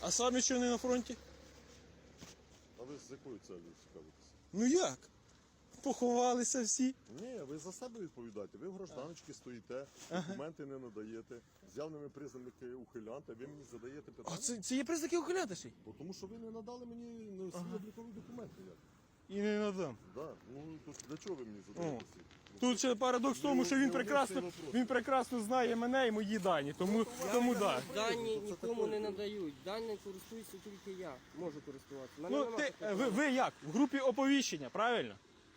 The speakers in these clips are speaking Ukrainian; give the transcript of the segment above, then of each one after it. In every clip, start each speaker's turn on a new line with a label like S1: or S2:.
S1: А самі що не на фронті?
S2: А ви з якою целью цікавитеся?
S1: Ну як? Поховалися всі.
S2: Ні, ви за себе відповідаєте. Ви в гражданочці стоїте, документи не надаєте, з явними признаками ухилянта, ви мені задаєте питання.
S1: А це є признаки ухилянтиші?
S2: Бо тому що ви не надали мені свої облікові документи. Як?
S1: І не надам.
S2: Да. Ну, то для чого ви мені задаєте ці?
S1: Тут ще парадокс в тому, що він прекрасно знає мене і мої дані, тому так.
S3: Дані нікому не надають. Дані користуюся тільки я. Можу користуватися. Мене
S1: Ну,
S3: нема
S1: ти,
S3: такого.
S1: ви як? В групі оповіщення, правильно?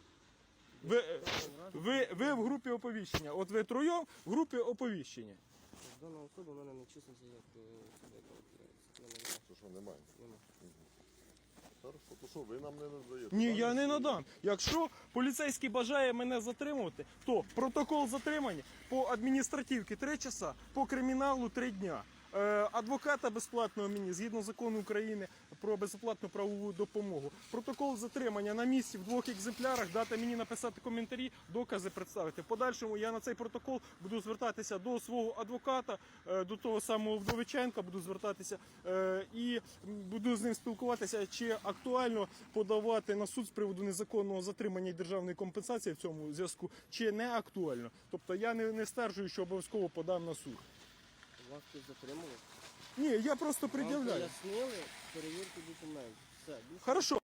S1: Ви в групі оповіщення. От ви троєм в групі оповіщення.
S3: Дана особа в мене не числиться як особа, яка опирається.
S2: Це що, немає?
S3: Нема.
S2: Хорошо, то що, ви нам не надаєте?
S1: Ні, я не надам. Якщо поліцейський бажає мене затримувати, то протокол затримання по адміністративці 3 часа, по криміналу 3 дня. Адвоката безплатного мені, згідно закону України про безоплатну правову допомогу. Протокол затримання на місці в 2 екземплярах, дати мені написати коментарі, докази представити. В подальшому я на цей протокол буду звертатися до свого адвоката, до того самого Вдовиченка буду звертатися і буду з ним спілкуватися, чи актуально подавати на суд з приводу незаконного затримання і державної компенсації в цьому зв'язку, чи не актуально. Тобто я не стверджую, що обов'язково подам на суд.
S3: Вас тут затримали.
S1: Ні, я просто
S3: Вам
S1: пред'являю.
S3: пояснили перевірку документів. Все, більше
S1: Хорошо.